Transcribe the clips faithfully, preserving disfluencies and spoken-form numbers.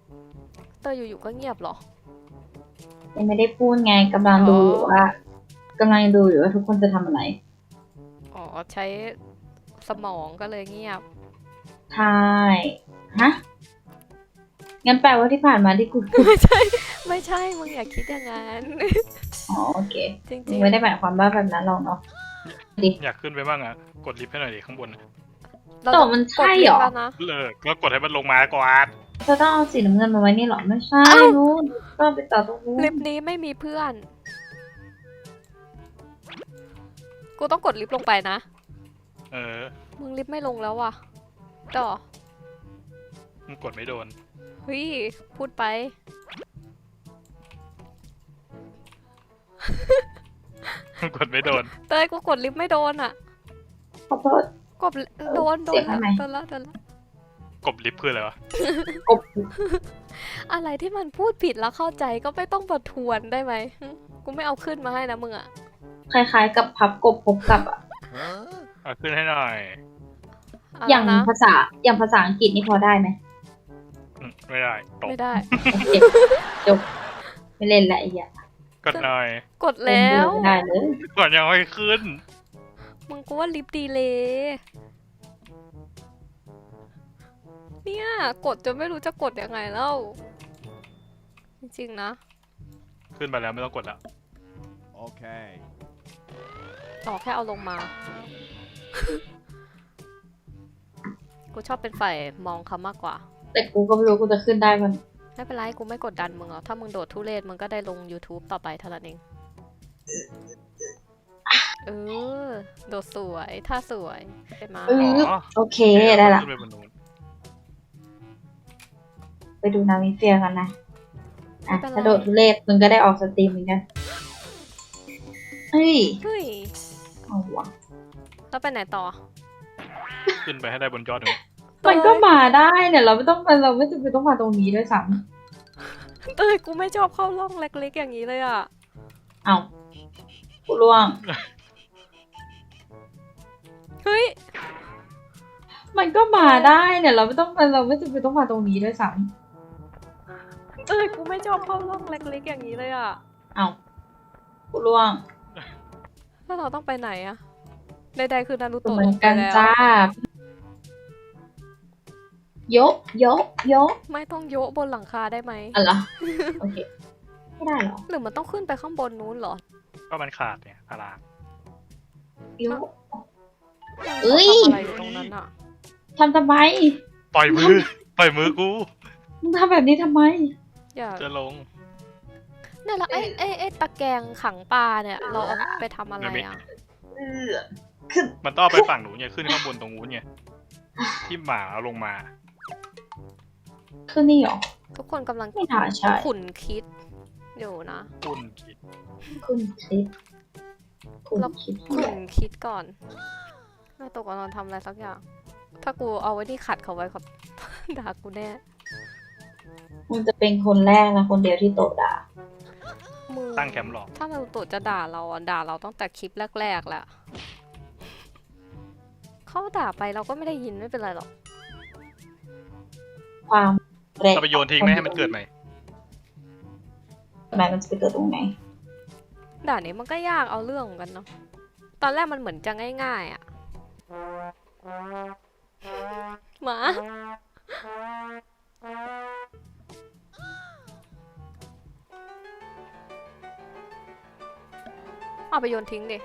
เตยอยู่ๆก็เงียบเหรอยังไม่ได้พูดไงกำลังดูอยู่ว่ากำลังดูอยู่ว่าทุกคนจะทำอะไรอ๋อใช้สมองก็เลยเงียบใช่ฮะงั้นแปลว่าที่ผ่านมาที่กูพูดไม่ใช่ไม่ใช่มึงอย่าคิดอย่างนั้นอ๋อโอเคจริงๆไม่ได้หมายความว่าแบบนั้นหรอกเนาะดิอยากขึ้นไปบ้างอ่ะกดลิฟต์ให้หน่อยดิข้างบนเราต่จะอมันใช่กดเหรอลิฟต์แล้วนะเลิกก็กดให้มันลงมาก่อนจะต้องเอาสีน้ำเงินมาไว้นี่เหรอไม่ใช่นู้นก็ไปต่อตรงนู้นลิฟต์นี้ไม่มีเพื่อน กูต้องกดลิฟต์ลงไปนะเออมึงลิฟต์ไม่ลงแล้วว่ะต่อมันกดไม่โดนเฮ้ยพูดไปมันกดไม่โดนเตยกูกดลิฟต์ไม่โดนอ่ะขอโทษกดโดนโดเสีนยงอะไรโดนแล้วโดนแล้วกดลิฟต์คืออะไรวะกบอะไรที่มันพูดผิดแล้วเข้าใจก็ไม่ต้องประทวนได้ไหมหึกูไม่เอาขึ้นมาให้นะมึงอ่ะคล้ายๆกับพับกบพบกับอ่ะเอาขึ้นให้หน่อยเละอย่างนะภาษาอย่างภาษาอังกฤษนี่พอได้ไหมอืมไม่ได้ตกไม่ได้โอเคจบไม่เล่นละไอ้เหี้ยกดหน่อยกดแล้วไม่ได้เลยก่อนยังไม่ขึ้นมึงกูว่าลิฟต์ดีเลยเนี่ยกดจนไม่รู้จะกดยังไงแล้ว จริงๆนะขึ้นไปแล้วไม่ต้องกดแล้ว Okay. ต่อแค่เอาลงมา กูชอบเป็นฝ่ายมองเขามากกว่าแต่กูก็ไม่รู้กูจะขึ้นได้มันไม่เป็นไรกูไม่กดดันมึงหรอกถ้ามึงโดดทุเรศมึงก็ได้ลง YouTube ต่อไปเท่านั้นเอง เออ โดดสวยท่าสวยใช่ไหมเอออ๋อโอเคได้ละขึ้นไปบนนู้นไปดูนามิเฟียกันนะอ่ะถ้าโดดทุเรศมึงก็ได้ออกสตรีมเหมือนกันเฮ้ยเฮ้ยเอาวะแล้วไปไหนต่อขึ้นไปให้ได้บนยอดหนึ่งมันก็มาได้เนี่ยเราไม่ต้องไปเราไม่จำเป็นต้องมาตรงนี้ด้วยซ้เอ้ยกูไม่ชอบเข้าร่องเล็กๆอย่างนี้เลยอ่ะำเอากูล่วงเฮ้ยมันก็มาได้เนี่ยเราไม่ต้องไปเราไม่จำเป็นต้องมาตรงนี้ด้วยซ้เอ้ยกูไม่ชอบเข้าร่องเล็กๆอย่างนี้เลยอ่ะำเอากูล่วงแล้วเราต้องไปไหนอ่ะใดๆคือนารูเหโตะมืลอนงไปกันแล้วจ้ายกยกยกไม่ต้องโยะบนหลังคาได้ไหมอะไรเหรอโอเคไม่ได้เหรอหรือมันต้องขึ้นไปข้างบนนู้นเหรอก็มันขาดเนี่ยพารางยก เอ้ยทำอะไรอยู่ตรงนั้นอ่ะทำทำไมปล่อยมือ ปล่อยมือกูมึงทำแบบนี้ทำไมอย่าจะลงเนี่ยแล้วไอ้ไอ้ไอ้ตะแกรงขังปลาเนี่ย เราเอาไปทำอะไรอ่ะเออขึ้นมันต้องเอาไปฝั่งหนูเนี่ยขึ้นข้างบนตรงนู้นไงที่หมาเอาลงมาขึ้นนี่เหรอทุกคนกำลังไม่น่าใช่ขุนคิดอยู่นะคุณคิดขึ้นคลิปคุณเราคลิปขุนคิดก่อนแม่ตกกำลังทำอะไรสักอย่าง ถ้ากูเอาไว้ที่ขัดเขาไว้ครับ ด่ากูแน่มึงจะเป็นคนแรกนะคนเดียวที่โตด่ามึงตั้งแคมป์หรอถ้านารูโตะจะด่าเราอ่ะด่าเราตั้งแต่คลิปแรกๆแล้วเขาด่าไปเราก็ไม่ได้ยินไม่เป็นไรหรอกความแรงจะไปโยนทิ้งไหมให้มันเกิดใหม่ทำไมมันจะไปเกิดตรงไหนด่านนี้มันก็ยากเอาเรื่องเหมือนกันเนาะ ตอนแรกมันเหมือนจะง่ายๆอ่ะ หมา เอาไปโยนทิ้งดิ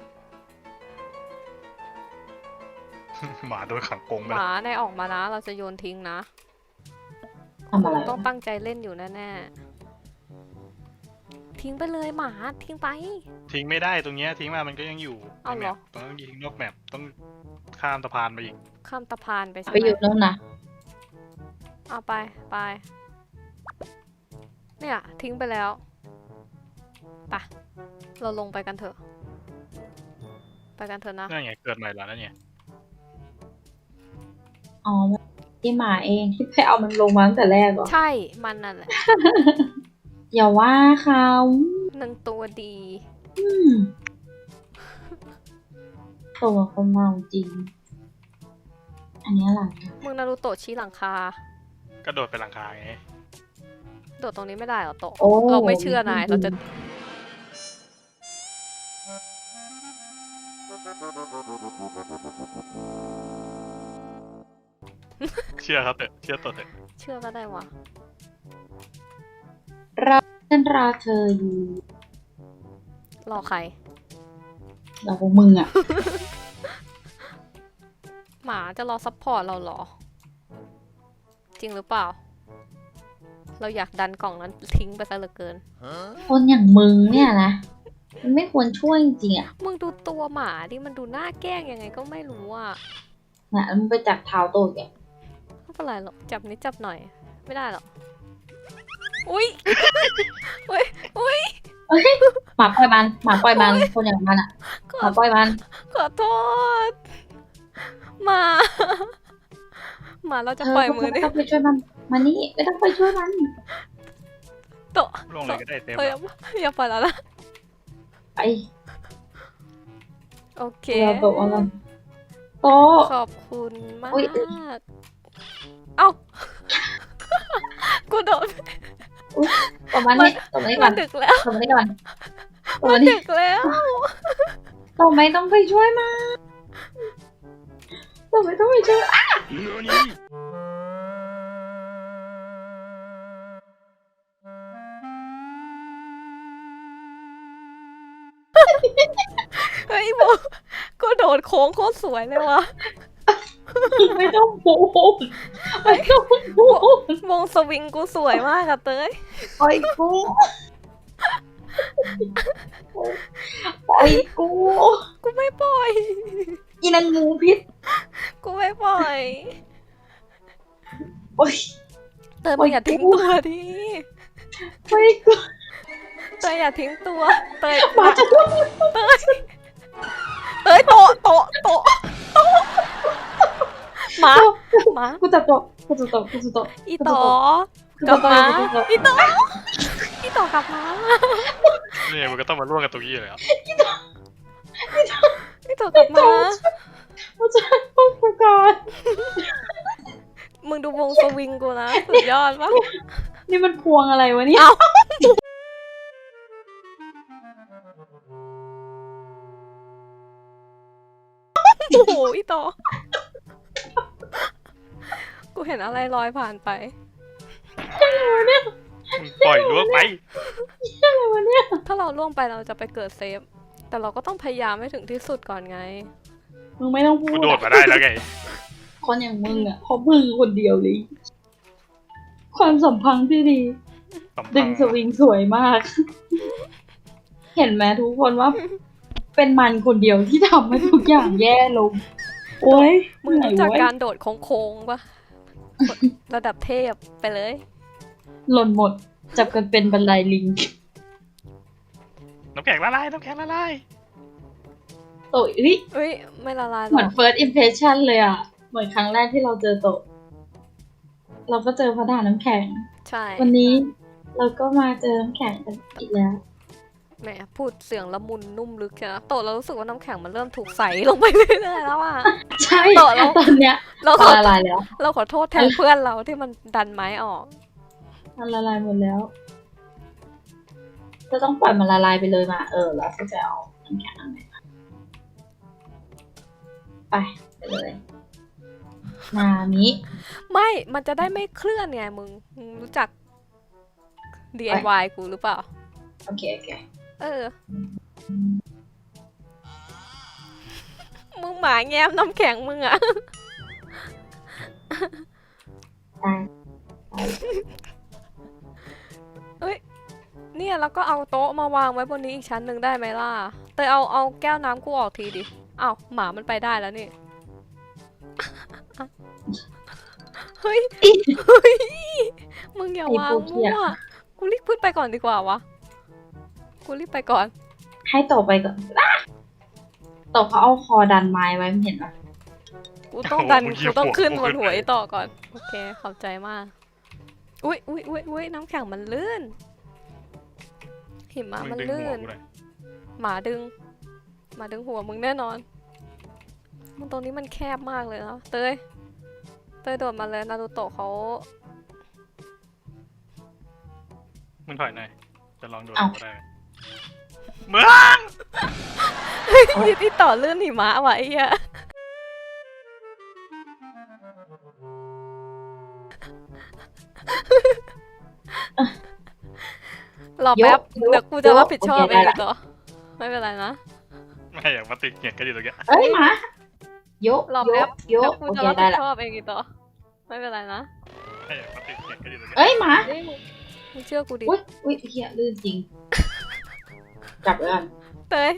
หมาโดนขังกรงไปหมาในออกมานะ เราจะโยนทิ้งนะทำอะไรต้องตั้งใจเล่นอยู่แน่ๆ ทิ้งไปเลยหมาทิ้งไปทิ้งไม่ได้ตรงเนี้ยทิ้งมามันก็ยังอยู่เอาเหรอในแมปต้องยิงนอกแมปต้องข้ามสะพานไปอีกข้ามตะพานไปใช่ไปไหอยู่มนู่นนะเอาไปไป เนี่ย ทิ้งไปแล้วไปะเราลงไปกันเถอะ ไปกันเถอะนะนั่นไงเกิดใหม่แล้วนั่นไงอ๋อที่หมาเองที่ไปเอามันลงมาตั้งแต่แรกเหรอใช่ มันนั่นแหละอย่าว่าเขาหนึ่งตัวดีอืมตัวคนเมาจริง อันนี้อะไรมึงนารูโตะชี้หลังคากระโดดไปหลังคาไงโดดตรงนี้ไม่ได้เหรอโตะโอ้เราไม่เชื่อนายเราจะเชื่อครับเถอะเชื่อตัวเถอะเชื่อก็ได้วะเราฉันรอเธออยู่รอใครเราพวกมึงอ่ะหมาจะรอซัพพอร์ตเราเหรอ จริงหรือเปล่า เราอยากดันกล่องนั้นทิ้งไปซะเหลือเกินคนอย่างมึงเนี่ยนะ มันไม่ควรช่วยจริงๆอ่ะมึงดูตัวหมาดิมันดูน่าแกล้งยังไงก็ไม่รู้อ่ะนะมึงไปจับเท้าโตแกไม่เป็นไรหรอกจับนิดจับหน่อย ไม่ได้หรอกอุ้ย อุ้ยอุ้ยหมาปล่อยมันหมาปล่อยมันคนอย่างมันอ่ะขอหมาปล่อยมันขอโทษหมา หมาเราจะเธอปล่อยมือไม่ดิต้องไปช่วยมันมานี่ไม่ต้องไปช่วยมันโตะลงเลยก็ได้เต็มเฮ้ยอย่าปล่อยแล้วนะไปโอเคเราโตเอามันโตขอบคุณมากอุ๊ยเอ้า กูโดนตบมันนี่ตบมันนี่ก่มัอนนดึกแล้วตบมันนี่ก่อนตบมัมัน นนี่ดึกแล้วตบไม่ต้องไปช่วยมันตบไม่ต้องไปช่วยเนื้อนี้เฮ้ยโมกูโดดโค้งโคตรสวยเลยวะไม่ต้องพูดไม่ต้องพูดวงสวิงกูสวยมากอะเต้ยปล่อยกูปล่อยกูกูไม่ปล่อยอีนางงูพิษกูไม่ปล่อยปล่อยเต้ยมึงอย่าทิ้งตัวดิปล่อยกูเต้ยอย่าทิ้งตัว เต้ยหมาจะพูดเต้ยเต้ยโตะโตะโตะโตะหมาหมากูจะโตะกูจะโตะกูจะโตะอีต่อกลับมาอีต่ออีต่อกลับมาเนี่ยมันก็ต้องมาร่วมกันตรงนี้เลยครับอีต่อกลับมากูจะพูดกูก่อนมึงดูวงสวิงกูนะสุดยอดปะนี่มันพวงอะไรวะเนี่ยเอ้าโอ้โหอีต่อกูเห็นอะไรลอยผ่านไปมึงปล่อยล่วงไปอะไรวะเนี่ยถ้าเราล่วงไปเราจะไปเกิดเซฟ แต่เราก็ต้องพยายามให้ถึงที่สุดก่อนไงมึงไม่ต้องพูกูดโดดมาได้แล้วไงคนอย่างมึงอ่ะเพราะมึงคนเดียวเลย ความสัมพันธ์ที่ดีสัมพัดึนงธ์สวิงสวยมาก เห็นไหมทุกคนว่า เป็นมันคนเดียวที่ทำให้ทุกอย่างแย่ลง โอ้ยมึงเหนื่อยรู้จากเว้ยการโดดโค้งๆปะระดับเทพไปเลยหล่นหมด จับกันเป็นบันไดลิงน้ำแข็งละลายน้ำแข็งละลายโตะเฮ้ยเอ้ย ไม่ละลายหรเหมืออน ก first impression เลยอ่ะ เหมือนครั้งแรกที่เราเจอโตะเราก็เจอพระดาน้ำแข็งใช่วันนี้เราก็มาเจอน้ำแข็งกันอีกแล้วแหมพูดเสียงละมุนนุ่มลึกใช่ไหมโตะเรารู้สึกว่าน้ำแข็งมันเริ่มถูกใสลงไปเรื่อยๆแล้วอ่ะใช่โตะแล้วตอนเนี้ยเราขอละลายแล้วเราขอโทษแทนเพื่อนเราที่มันดันไม้ออกมันละลายหมดแล้ว จะต้องปล่อยมันละลายไปเลยมา เออ แล้วก็จะเอาน้ำแข็งอันไหนมาไป ไปเลย นามิไม่ มันจะได้ไม่เคลื่อนไงมึงมึงรู้จัก ดี ไอ วาย กูหรือเปล่าโอเค โอเคเออ มึงหมาแง้มน้ำแข็งมึงอะได้เนี่ยแล้วก็เอาโต๊ะมาวางไว้บนนี้อีกชั้นหนึ่งได้ไหมล่ะเตยเอาเอาแก้วน้ำกูออกทีดิอ้าวหมามันไปได้แล้วนี่ เฮ้ย เฮ้ย มึงอย่าวางมั่ว กูรีบขึ้นไปก่อนดีกว่าวะ กูรีบไปก่อนให้โตะไปก่อนอ่ะโตะเขาเอาคอดันไม้ไว้ไม่เห็นปะกูต้องดัน กูต้องขึ้นบนหัวไอ้ต่อก่อน โอเค ขอบใจมาก อุ้ยอุ้ยอุ้ยอุ้ยน้ำแข็งมันลื่น หิมะมึงมันดึงลื่หัวน กูหน่อยหมาดึง หมาดึงหัวมึงแน่นอน มันตรงนี้มันแคบมากเลยนะเตย เตยโดดมาเลยนารูโตะเขามึงถอยหน่อยจะลองโดดเอ้าก็ได้มึงที่ที่ต่อเลื่อนหิมะว่ะไอ้เหี้ยรอแป๊บยกเดี๋ยวกูจะรับผิดชอบโอเคเองได้ละต่อไม่เป็นไรนะไม่อยากมาติดเงียกันอยู่ตรงเนี้ยเอ้ยหมาโยกรอโยแป๊บกโยเดี๋ยกวกูโอจะเครับ ได้ผิดละชอบเองอีกต่อไม่เป็นไรนะไม่อยากมาติดเงียกันอยู่ตรงเนี้ยเอ้ยหมาเฮ้ยมึงเชื่อกูดิอุ้ยอุ้ยเฮียลื่นจริง จับเลยกันเตย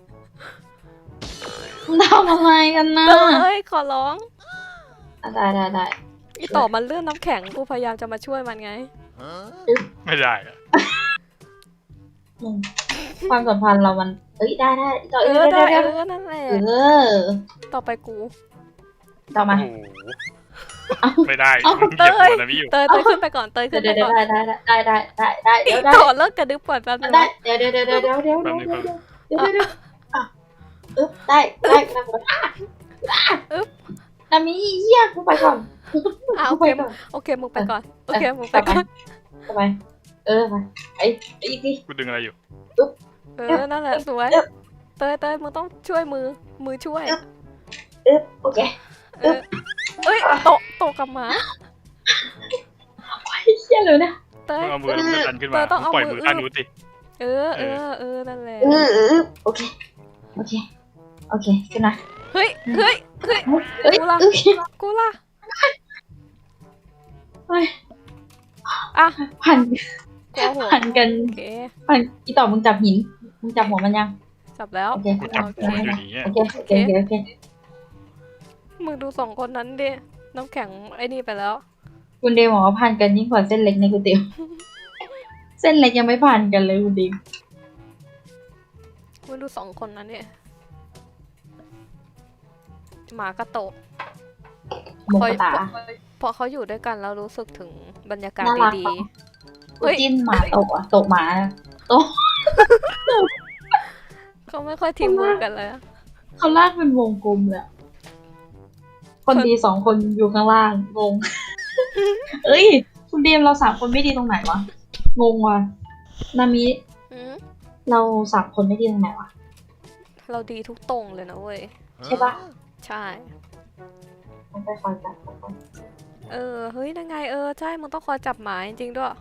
ทำอะไรกันนะเตยขอร้องอ่ะได้ได้ได้อีต่อมันเลื่อนน้ำแข็งกูพยายามจะมาช่วยมันไงไม่ได้อะอืมความสัมพันธ์เรามัน เอ้ยได้ได้ต่อเอเอ้ยอได้ได้เอได้อนั่นแหละเออต่อไปกูต่อมาโอ้โหเอ้าไม่ได้เอ้ามึงเหยียบหัวนะพี่อยู่เตยเตยขึ้นไปก่อนเตยเดี๋ขึ้ยวน เดี๋ไปยวก่อนได้ได้ได้ได้ได้ได้เดี๋ยวได้ต่อเลิกกระดึบก่อนแป๊บนึงได้นะเดี๋ยวเดี๋ยวเดี๋ยวเดี๋ยวเดี๋ยวเดี๋ยวเดี๋ยวเดี๋ยวเดี๋ยวเดี๋ยวเดี๋ยวอ่ะอึ๊บได้ได้ได้อ่ะอึ๊บนามิเหี้ยกูไปก่อนอ่ะโอกูเคไปก่อนโอเคมึงไปก่อนโอเคมึงไปต่อไปก่อนต่อไปเออไปไอ้ไอ้อีกทีกูดึงอะไรอยู่เออนั่นแหละสวยเตยเตยมึงต้องช่วยมือมือช่วยอึ๊บโอเคเออเอ้ยโตะโตะกับหมาไอ้เหี้ยเลยนะเตมึยงเอามือมึงดันขึ้นมาเออต้องมึงเอาปล่อยมืมืออข้างนู้นสิเออเออเออนั่นแหละเออเออโอเคโอเคโอเคขึ้นมาเฮ้ยเฮ้ยเฮ้ยเอ้ยกูล่ะโอเคกูล่ะเฮ้ยอ่ะผ่านกูเอาหัวผ่านกันโอเคผ่านอีต่อมึงจับหินมึงจับหัวมันยังจับแล้วโอเคกูจับหัวมันอยู่นี่โอเคโอเคโอเคโอเคมึงดูสองคนนั้นดิน้ำแข็งไอ้นี่ไปแล้วคุณเดมบอกว่าผ่านกันยิ่งกว่าเส้นเล็กในก๋วยเตี๋ยวเส้นเล็กยังไม่ผ่านกันเลยคุณเดมมึงดูสองคนนั้นเนี่ยหมากระโตะหมกตาพอเขาอยู่ด้วยกันแล้วรู้สึกถึงบรรยากาศน่ารักดีปะๆกูเฮ้ยจิ้นหมาตกอ่ะตกหมาเขาไม่ค่อยทีมเวิร์กกันเลยอะเขาลากเป็นวงกลมเลยอะคนดีสองคนอยู่ข้างล่างงง เอ้ย คุณเดมเราสามคนไม่ดีตรงไหนวะงงว่ะนามิอืมเราสามคนไม่ดีตรงไหนวะเราดีทุกตรงเลยนะเว้ยใช่ปะใช่มันไปคอยจับคนเออ เฮ้ยนั่นไงเออ ใช่ มึงต้องคอยจับหมาจริงๆด้วย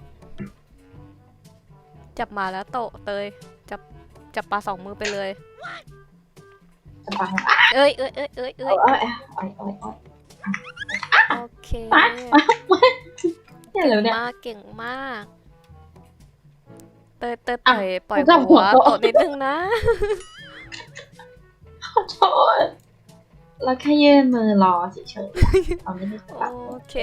จับหมาแล้วโตะเตย จับ จับปลาสองมือไปเลยจะฟังเอ้ยเอ้ยเอ้ยเอ้ยเอเอ้อย เอ้ยเอ้ยเอ้ยเอ้ยโอเคมามาเนี่ยเหรอเนี่ยมากเก่งมาก เตยเตยปอ่ะล่อยปล่อยจับหัหัววโตะโตะนิดนึงนะขอโทษเราแค่ยื่นมือรอเฉยๆเราไม่ได้จับโอเค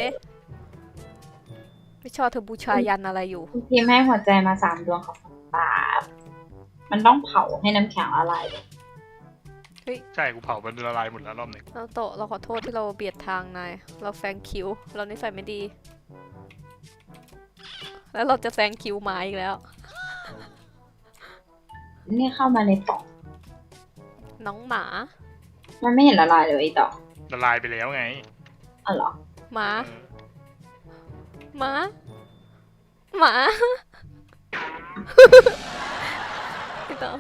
พี่ชอบเธอบูชายันอะไรอยู่คุณพิมพ์ให้หัวใจมาสามดวงของปาบมันต้องเผาให้น้ำแข็งละลายเลยใช่กูเผามันละลายหมดแล้วรอบหนึ่งเราโตะเราขอโทษที่เราเบียดทางนาย เราแซงคิว เรานิสัยไม่ดี แล้วเราจะแซงคิวหมาอีกแล้วนี่เข้ามาในปล่องน้องหมามันไม่เห็นละลายเลยไอ้ต่อละลายไปแล้วไงอ๋อเหรอหมาเออหมา หมาพี่ต่อ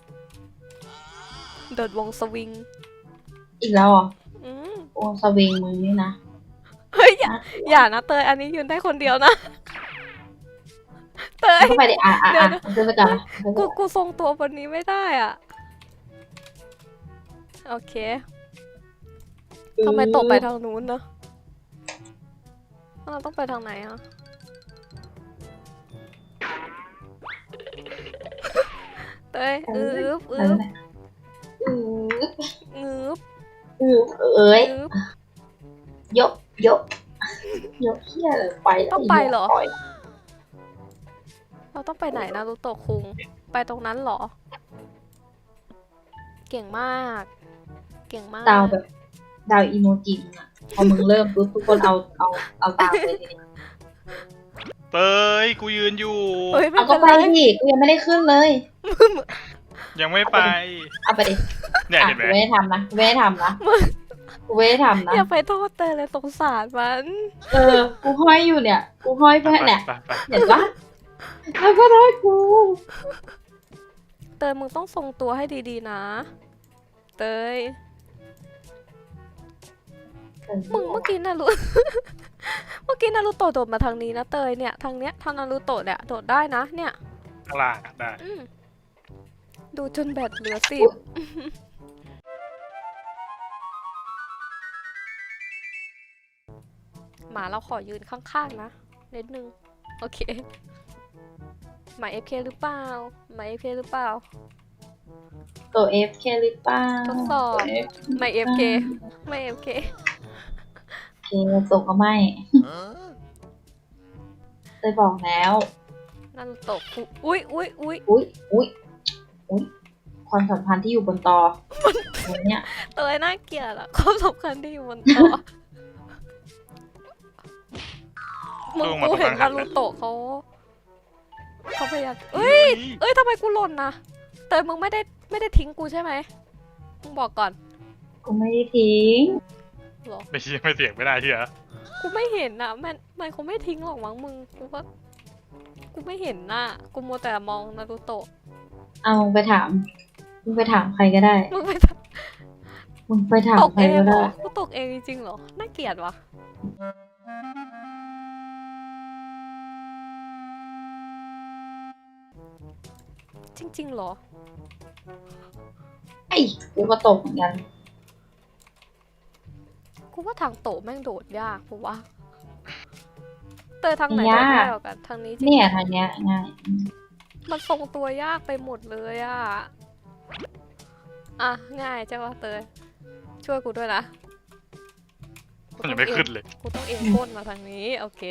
โดดวงสวิงอีกแล้วเหรออืมโอ้สวิงมึงนี่นะเฮ้ยอย่าอย่านะเตย อันนี้ยืนได้คนเดียวนะ เตยเข้าไปดิอ่ะอ่ะเดี๋ยวอ่ะมันจะไปก่อนนะกูกูทรงตัวบนนี้ไม่ได้อ่ะ โอเคทำไมตกไปทางนู้นเนอะเราต้องไปทางไหนอ่ะ เตยอืบอืเออบ อืองืบอือเอ้ยงืบยกยกยกเฮียเลยไปแล้วต้องไปเหรอปล่ยเราต้องไปไหนนะรูโตะคุง ไปตรงนั้นเหรอ เก่งมาก เก่งมากดาวแบบดาวอีโมจิมึงอะพอมึงเริ่มปุ๊บทุกคนเอาเอาเอาตามเลยทีนี้เตยกูยืนอยู่เฮ้ยไม่เอาก็เป็นไปไรดิกูยังไม่ได้ขึ้นเลยยังไม่ไปเอาไปดิเนี่ยอ่ะเห็นไหมกูไม่ได้ทำนะกูไม่ได้ทำนะกูไม่ได้ทำนะอย่าไปโทษเตยเลยสงสารมันเออ กูห้อยอยู่เนี่ย กูห้อยเพื่อนเนี่ยไปไปเห็นปะแล้วก็ได้กูเตยมึงต้องทรงตัวให้ดีๆนะ เตย มึงเมื่อกี้นารุ เมื่อกี้นารุโตะโดดมาทางนี้นะเตยเนี่ยทางเนี้ยทางนารุโตะเนี่ยโดดได้นะเนี่ยข้างล่างอะได้อืมดูจนแบตเหลือสิบ หมาเราขอยืนข้างๆนะนิดนึง โอเค หมาเอฟเคหรือเปล่าหมาเอฟเคหรือเปล่าตัว เอฟ เค หรือเปล่าทดสอบ ไม่เอฟเคไม่เอฟเคเคส่งก็ไม่เคยบอกแล้วนารุโตะคุอุ้ยอุ้ยอุ้ยอุ้ยอุ้ยอุ้ยความสัมพันธ์ที่อยู่บนตอวันเนี้ยเตยน่าเกลียดอะความสำคัญที่อยู่บนโต๊ะมึงลงมากูตรงเห็นกลานารุงหันโตะเขาเขาพยายามเอ้ย เอ้ยทำไมกูหล่นนะเตยมึงไม่ได้ไม่ได้ทิ้งกูใช่ไหมมึงบอกก่อนกูไม่ได้ทิ้งเหรอไม่เชี่ยไม่เสียงไม่ได้เชี่ยกูไม่เห็นนะมันมันคงไม่ทิ้งหรอกมั้งมึงกูว่ากูไม่เห็นน่ะกูมัวแต่มองนารุโตะเอามึงไปถามมึงไปถามใครก็ได้มึงไปมึงไปถามตกใครเองก็เหรได้อกูตกเองจริงๆเหรอน่าเกลียดวะจริงๆเหรอไอ้กูก็ตกเหมือนกันกูว่าทางโตะแม่งโดดยากกูว่าเตยทางไหนโดดง่ายกว่ากันทางนี้จริงเนี่ยทางเนี้ยง่ายมันทรงตัวยากไปหมดเลยอะอ่ะง่ายใช่ปะเตยช่วยกูด้วยนะมันยังไม่ขึ้นเลยกูต้องเอ็นก้นมาทางนี้โอเค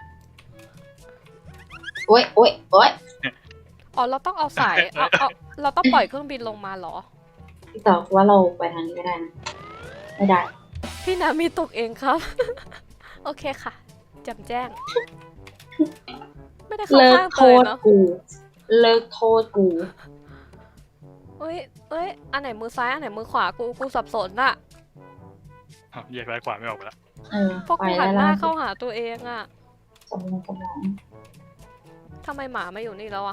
โอ๊ยโอ๊ยโอ๊ยอ๋อเราต้องเอาสายเอาเอาเราต้องปล่อยเครื่องบินลงมาเหรอพี่ต่อว่าเราไปทางนี้ก็ได้นะไม่ได้พี่นามีตกเองครับ โอเคค่ะแจำแจ้ง ไม่ได้เข้าเลิกข้างโทเตยษเนาะกู เลิกโทษกูเอ้ยเอ้ยอันไหนมือซ้ายอันไหนมือขวากูกูสับสนอะอ้าวแยกซ้ายขวาไม่ออกไปแล้วเออเพราะไปกูหัแล้นวหน้าล่ะเข้าหาตัวเองอะสมองสมองทำไมหมาไม่อยู่นี่แล้วอะ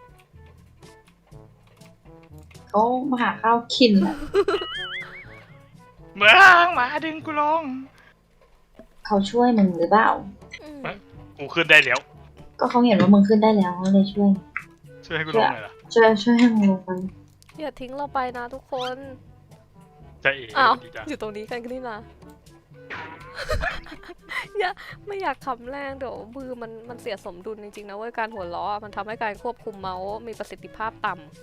เขามาหาข้าวกินอะเมืองหมาดึงกูลงเขาช่วยมึงหรือเปล่าอืมกูขึ้นได้แล้วก็เขาเห็นว่ามึงขึ้นได้แล้วเขาเลยช่วยช่วยให้กูลงหน่อยล่ะช่วยช่วยให้มึงลงไปอย่าทิ้งเราไปนะทุกคนใช่เอ๋อ้าวดีจ้ะอยู่ตรงนี้กันนี่นะ อย่าไม่อยากขำแรงเดี๋ยวมือมันมันเสียสมดุลจริงๆนะเว้ยการหัวเราะอะมันทำให้การควบคุมเมาส์มีประสิทธิภาพต่ำ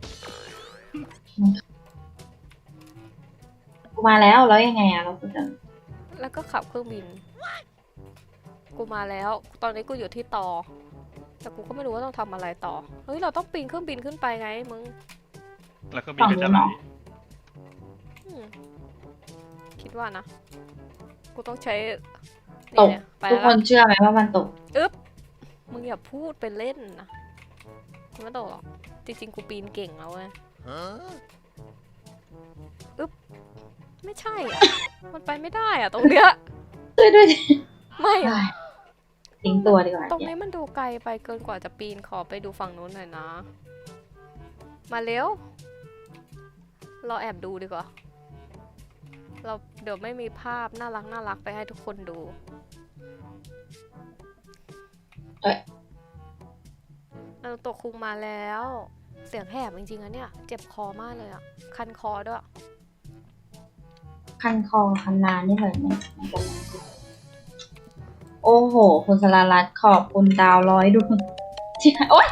กูมาแล้วแล้วยังไงอะเราก็จะแล้วก็ขับเครื่องบิน กูมาแล้ว ตอนนี้กูอยู่ที่ต่อ แต่กูก็ไม่รู้ว่าต้องทำอะไรต่อ เฮ้ย เราต้องปีนเครื่องบินขึ้นไปไงมึงแล้วก็มีกระจายอืมคิดว่านะ กูต้องใช้ตกเนี่ยไปทุกแล้วคนเชื่อไหมว่ามันตกอึ๊บ มึงอย่าพูดเป็นเล่นนะกูไม่ตกหรอก จริงๆ กูปีนเก่งแล้วเว้ยอึ๊บ ไม่ใช่อ่ะ มันไปไม่ได้อ่ะ ตรงเนี้ยช่วยด้วยดิไม่อะทิ้งตัวดีกว่าตรงเนี่ยนี้มันดูไกลไปเกินกว่าจะปีนขอไปดูฝั่งนู้นหน่อยนะ มาเร็ว เราแอบดูดีกว่า เราเดี๋ยวไม่มีภาพน่ารักน่ารักไปให้ทุกคนดูเอ้ยเราตกคุงมาแล้ว เสียงแหบจริงๆอะเนี่ย เจ็บคอมากเลยอะคันคอด้วยคันคอคันนานนี่เหมือนมันมันจะมาโอ้โห คุณสรารัตน์ขอบคุณดาวร้อยดวงเชี่ยโอ๊ย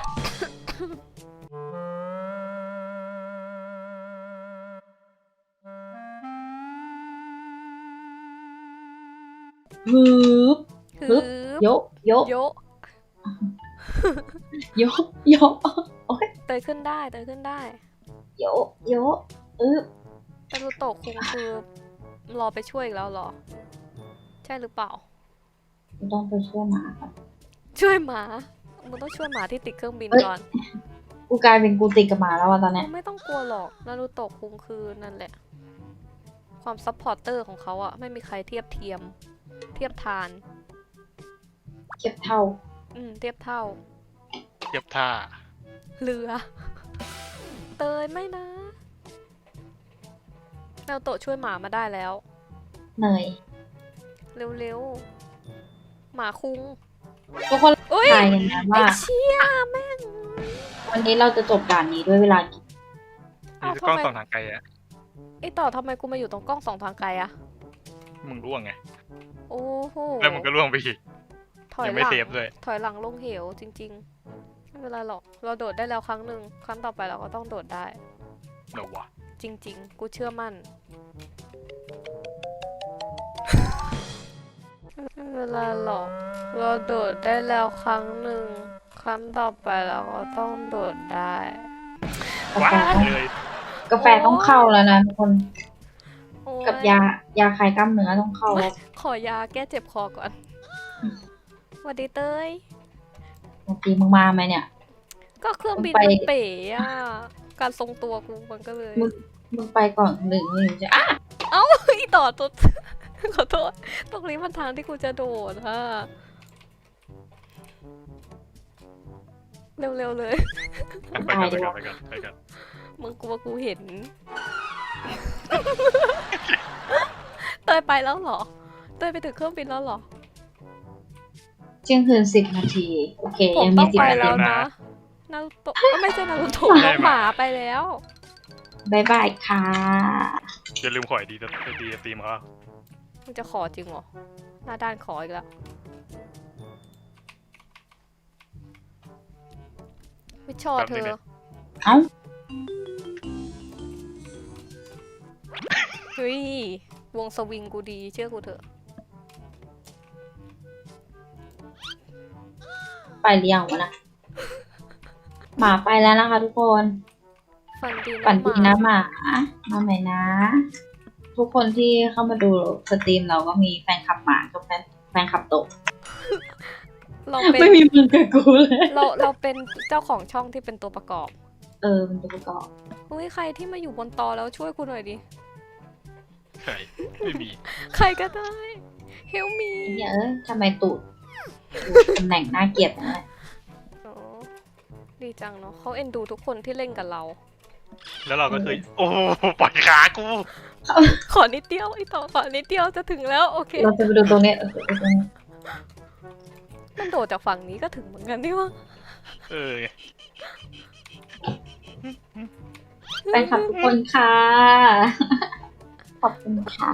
ฮึบฮึบยกยกโยะยกยกโอ๊ยเตยขึ้นได้เตยขึ้นได้ยกยกอึบแต่รูโตะคุงคือรอไปช่วยอีกแล้วเหรอ ใช่หรือเปล่ากูต้องไปช่วยหมาครับช่วยหมามึงต้องช่วยหมาที่ติดเครื่องบินเอ้ยก่อนกูกลายเป็นกูติดกับหมาแล้วอะตอนเนี้ยไม่ต้องกลัวหรอกนารูโตะคุงคือนั่นแหละ ความซัพพอร์เตอร์ของเขาอะไม่มีใครเทียบเทียม เทียบทานเก็บเท่าอืม เทียบเท่าเทียบท่าเรือ เตยไม่นะนารูโตะช่วยหมามาได้แล้วเหนื่อยเร็วๆ หมาคุงทุกคนเอ้ยทายกันนะไอ้ว่าเชี่ยแม่งวันนี้เราจะจบด่านนี้ด้วยเวลากี่อ้าวมีกล้องทำไมสองทางไกลอะไอ้ต่อทำไมกูมาอยู่ตรงกล้องสองทางไกลอะมึงร่วงไงโอ้โหแล้วมึงก็ร่วงไปอีกถอยยังหไม่ลังเซฟด้วยถอยหลังลงเหวจริงๆ ไม่เป็นไรหรอก เราโดดได้แล้วครั้งหนึ่งครั้งต่อไปเราก็ต้องโดดได้เดี๋ยววะจริง ๆ กูเชื่อมั่น ไม่เป็นไรหรอก เราโดดได้แล้วครั้งหนึ่งครั้งต่อไปเราก็ต้องโดดได้กาว้าแฟต้องเลยกาแฟต้องเข้าแล้วนะทุกคนโอ๊กับยายาคลายกล้ามเนื้อต้องเข้าแล้วขอยาแก้เจ็บคอก่อนสวัสดีเต้ยเมื่อกี้มึงมาไหมเนี่ยก็เครื่องบินไปมันเป๋อะการทรงตัวกูมันก็เลยมึง มึงไปก่อนหนึ่งหนึ่งจะอ่ะเอ้าอีต่อตัว ขอโทษ ตรงนี้มันทางที่กูจะโดดฮะเร็วๆเลยไปกันไปกันไปกันไปกันมึงกลัวกูเห็น เตยไปแล้วเหรอ เตยไปถึงเครื่องบินแล้วเหรอเที่ยงคืนสิบนาที โอเคผมยังต้มีองสิบไปนาแล้ทีวนะนารูโตะก็ไม่ใช่นารูโตะน้องหมาไปแล้วบายบายค่ะอย่าลืมขอยดีจะดีจะตีมเขามึงจะขอจริงเหรอ หน้าด้านขออีกแล้ว ไม่ชอบเธอเอ้าเฮ้ย วงสวิงกูดีเชื่อกูเถอะไปหรือยังวะนะหมาไปแล้วนะคะทุกคนฝันดีฝันดีนะหมาหมามาใหม่นะ ทุกคนที่เข้ามาดูสตรีมเราก็มีแฟนคลับหมากับแฟนแฟนคลับโตะเราเป็นไม่มีมึงกับกูเลยเราเราเป็นเจ้าของช่องที่เป็นตัวประกอบเออเป็นตัวประกอบเฮ้ยใครที่มาอยู่บนตอแล้วช่วยกูหน่อยดิใช่ไม่มีใครก็ได้ help me ไอ้เหี้ยเอ้ยทำไมตูดตูดตำแหน่งน่าเกลียดนะอ๋อดีจังเนาะเขาเอ็นดูทุกคนที่เล่นกับเราแล้วเราก็เคยโอ้โหปล่อยขากูขอนิดเดียวไอต่อขอนิดเดียวจะถึงแล้ว โอเคเราจะไปดูตรงนี้เออไปตรงนี้มันโดดจากฝั่งนี้ก็ถึงเหมือนกันนี่วะเออแฟนคลับทุกคนค่ะ ขอบคุณค่ะ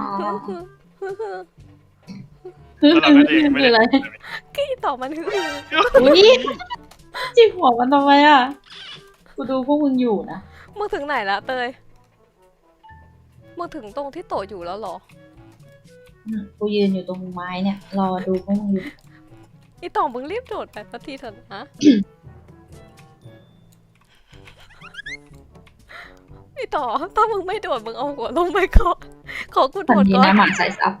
แล้วเราก็เองไม่คืออะไรได้กี้ต่อมันคืออุ้ยจิกหัวมันทำไมอ่ะ กูดูพวกมึงอยู่นะมึงถึงไหนละเตยมึงถึงตรงที่โตะอยู่แล้วเหรออืมกูยืนอยู่ตรงไม้เนี่ย รอดูพวกมึงอยู่ไอต่อมึงรีบโดดไปสักทีเถอะนะ ไอต่อถ้ามึงไม่โดดมึงเอาหัวลงไปก่อนขอกูโดฝันดดีก่อนนะหมันใส่ซับ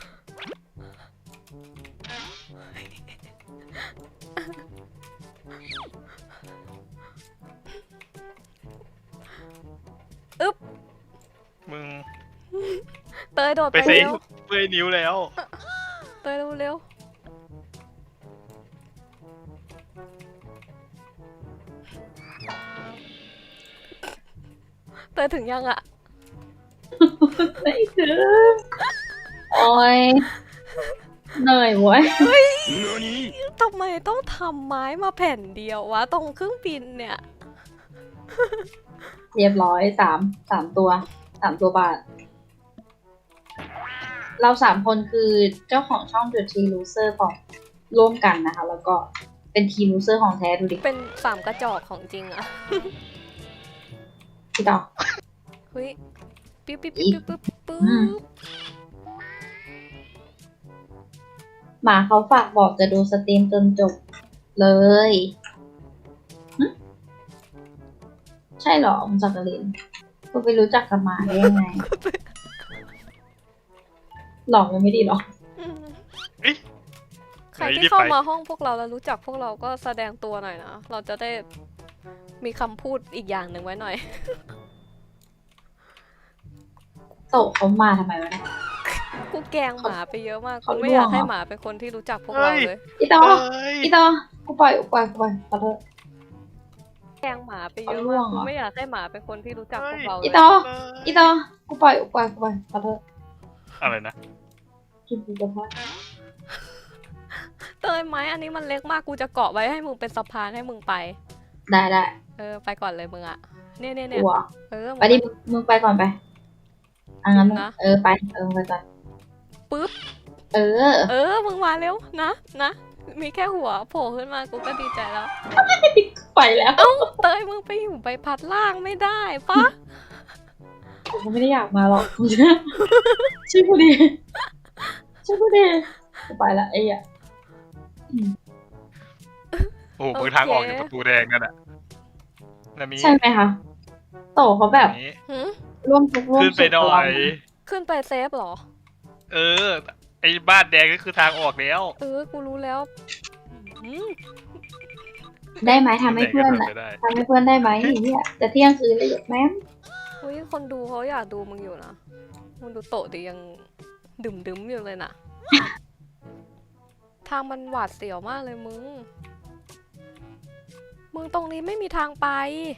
มึงเตยโดดไปไปเซ็เร็งวเมื่อยนิ้วแล้วเตยเร็วเร็วเตยถึงยังอะไม่ถึงโอ้ยเหนื่อยเว้ยทำไมต้องทำไม้มาแผ่นเดียววะตรงเครื่องบินเนี่ยเรียบร้อยสามสามตัวสามตัวบาท เราสามคนคือเจ้าของช่อง The Tea Loser ของร่วมกันนะคะ แล้วก็เป็นทีม loser ของแท้ดูดิเป็นสามกระจอกของจริงอะพี่ดอกเฮ้ยปิ๊บปิ๊บปิ๊บปิ๊บปิ๊บปิ๊อืมบหมาเขาฝากบอกจะดูสตรีมจนจบเลยหึใช่เหรอคุณจักรินคุณไปรู้จักกับหมาได้ยังไง หลอกมันไม่ดีหรอกอืมเอ๊ะใครไหนที่รีบเข้าไปมาห้องพวกเราแล้วรู้จักพวกเราก็แสดงตัวหน่อยนะ เราจะได้มีคำพูดอีกอย่างหนึ่งไว้หน่อยโตะเขามาทำไมวะเนี่ยกูแกล้งหมาไปเยอะมากเขากูไม่อยากล่วงเหรอให้หมาเป็นคนที่รู้จักพวกเราเลยอีตอเฮ้ยอีตอกูปล่อยกูปล่อยกูปล่อยขอโทษแกล้งหมาไปเยอะเอาล่วมาง กเหรกูอไม่อยากให้หมาเป็นคนที่รู้จักพวกเราอีเลยต่อ อีต่อกูปล่อยกูปล่อยกูปล่อยขอโทษอะไรนะกินกูกระทะเตยไหมอันนี้มันเล็กมากกูจะเกาะไว้ให้มึงเป็นสะพานให้มึงไปได้ได้เออไปก่อนเลยมึงอะเนี่ยเนี่ยเนี่ยกลัวเออมึงไปดิมึงมึงไปก่อนไปอ่ะงั้นมึงนะเออไปเออมึงไปก่อนปึ๊บเออเออมึงมาเร็วนะนะมีแค่หัวโผล่ขึ้นมากูก็ดีใจแล้วไปแล้วเอ้าเตยมึงไปอยู่ใบพัดล่างไม่ได้ปะกูก็ไม่ได้อยากมาหรอกกูจะช่วยกูดิช่วยกูดิกูไปละไอ้เหี้ยโอ้โหมึงทางออกอยู่ประตูแดงนั่นแหละนามีใช่ไหมคะโตเขาแบบนี้หืมร่วมทุกข์ร่วมขึ้นสุไปขหน่อกับเรายขึ้นไปเซฟเหรอเออ ไอ้บ้านแดงก็คือทางออกแล้วเออกูรู้แล้วอืมได้ไหมทำให้เพื่อนไหอะก็ทำไปได้ทำให้เพื่อนได้ไหมไอ้เหี้ยจะเที่ยงคืนเลยหยกแม่มอุ้ยคนดูเขาอยากดูมึงอยู่นะมึงดูโตะดิยังดื่มดึมๆอยู่เลยน่ะ ทางมันหวาดเสียวมากเลยมึง มึงตรงนี้ไม่มีทางไป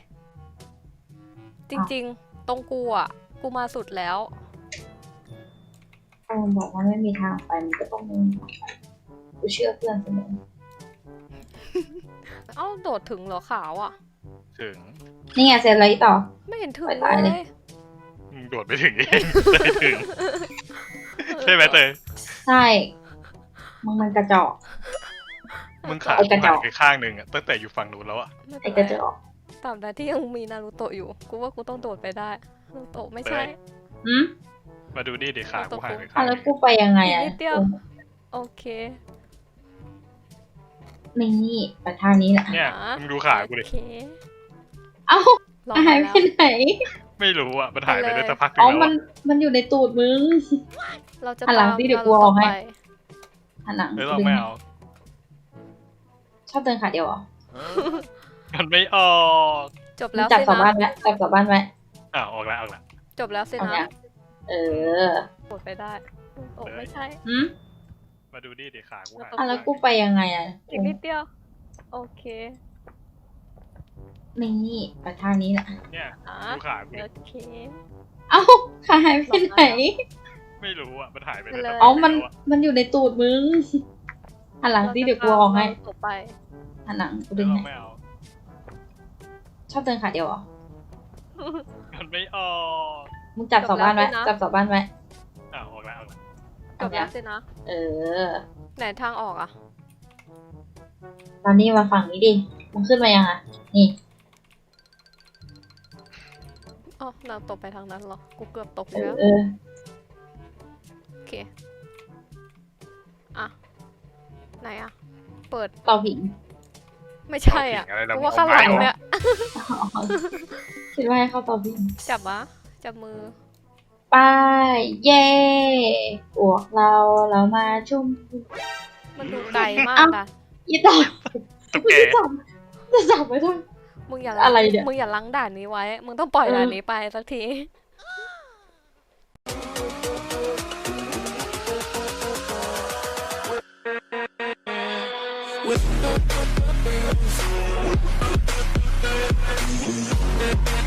จริงๆ ตรงกูอ่ะ กูมาสุดแล้วเออบอกว่าไม่มีทางไปมันก็ต้องมีทางไปกูเชื่อเพื่อนเสมอเอ้าโดดถึงเหรอขาวอ่ะถึงนี่ไงเสร็จแล้วอีต่อไม่เห็นถึงไปตายเลเลยยมึงโดดไปถึงเองไปถึง ใช่ไหมเตยใช่มึงมันกระจอกมึงขาไอ้กระจหัอกนไปข้างหนึ่งอะตั้งแต่อยู่ฝั่งนู้นแล้วอะไม่ไอ้เป็นกไรระจอกตราบใดที่ยังมีนารูโตะอยู่ กูว่ากูต้องโดดไปได้นารูโตะไม่ใช่หืมมาดูดิเดี๋ยวขากูหันไปอ่ะข้างหแล้นึ่วงกูไปยังไงอ่ะอีกนิดเดียว โอเคนี่ไปทางนี้แหละเนี่ยอ่ะมึงดูขากูดิโอเคเอ้าลองหายมาไปแล้วไหนไม่รู้อะมันหายไปได้สักพักหนึอ๋องแล้วมันอะมันอยู่ในตูดมึงเราจะหันหลังตามสิเดี๋ยวนากูรูเอาโตะให้ไปหันหลังเออเราไม่เอาชอบเดินขาเดียวเหรอมันไม่ออกจบแล้วจับสิกลับบ้านะนไว้จับกลับบ้านไว้อ่ะออกแล้วออกแล้วจบแล้วสิเอานะเนี่ยเออโดดไปได้นารูโตะไม่ใช่หืมมาดูดิเดี๋ยวขากูหันอ่ะแล้วกูไปยังไงอ่ะอีกนิดเดียว โอเคนี่ไปทางนี้แหละเนี่ยอ่ะดูขากูดิโอเคเอ้าขาหายไปไหนไม่รู้อะมันหายไปได้เลยสักอ๋พัอกหมันงแล้วอะมันอยู่ในตูดมึง หันหลังสิเดี๋ยวกูเอาให้เราจะตามนารูโตะไปหันหลังกูเอดึอง เราให้ไม่เอาชอบเดินขาเดียวเหรอมันไม่ออกมึงจับเสาบ้านไว้จบแล้วสินะจับเสาบ้านไว้อ่ะออกแล้วออกแล้วจบแล้วสินะเออไหนทางออกอ่ะตอนนี้มาฝั่งนี้ดิ มึงขึ้นมายังอ่ะ นี่อ๋อนารูโตะไปทางนั้นเหรอ กูเกือบตกเอแล้อวเออโอเค อ่ะ ไหนอ่ะ เปิดเต่าผิงไม่ใช่อ่ะเาผิงอะไรเรากูมว่าองข้างหลังไม่ออกเนี่ยอ๋อคิดว่าให้เข้าเต่าผิงจับวะจับมือไป้ายเย่พวกเราเรามาชุ่มมันดูไกลมากเอ้าอ่ะอีต่อตุ๊กกูแกจะจับจะจับไว้ด้วยมึงอย่าอะไรเนี่ยมึงอย่าล้างด่านนี้ไว้ มึงต้องปล่อยเออด่านนี้ไปสักที With